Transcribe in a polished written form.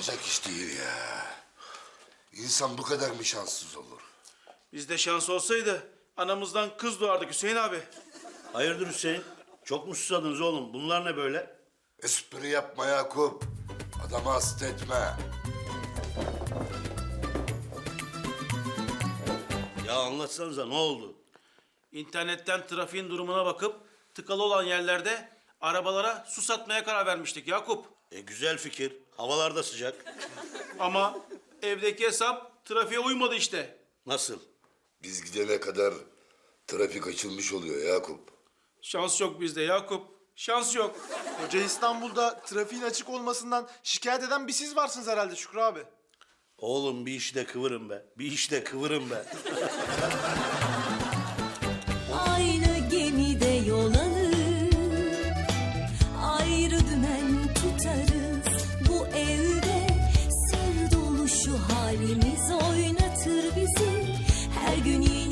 Olacak iş değil ya. İnsan bu kadar mı şanssız olur? Bizde şans olsaydı anamızdan kız doğardık Hüseyin abi. Hayırdır Hüseyin? Çok mu susadınız oğlum? Bunlar ne böyle? Espri yapma Yakup. Adamı hasta etme. Ya anlatsanıza ne oldu? İnternetten trafiğin durumuna bakıp tıkalı olan yerlerde arabalara su satmaya karar vermiştik Yakup. Güzel fikir. Havalar da sıcak. Ama evdeki hesap trafiğe uymadı işte. Nasıl? Biz gidene kadar trafik açılmış oluyor Yakup. Şans yok bizde Yakup. Şans yok. Koca İstanbul'da trafiğin açık olmasından şikayet eden bir siz varsınız herhalde Şükrü abi. Oğlum bir işte kıvırın be. Bir işte kıvırın be. Aynı gemide yol alır, ayrı dümen tutarız. Bu evde sır dolu şu halimiz oynatır bizi. Her gün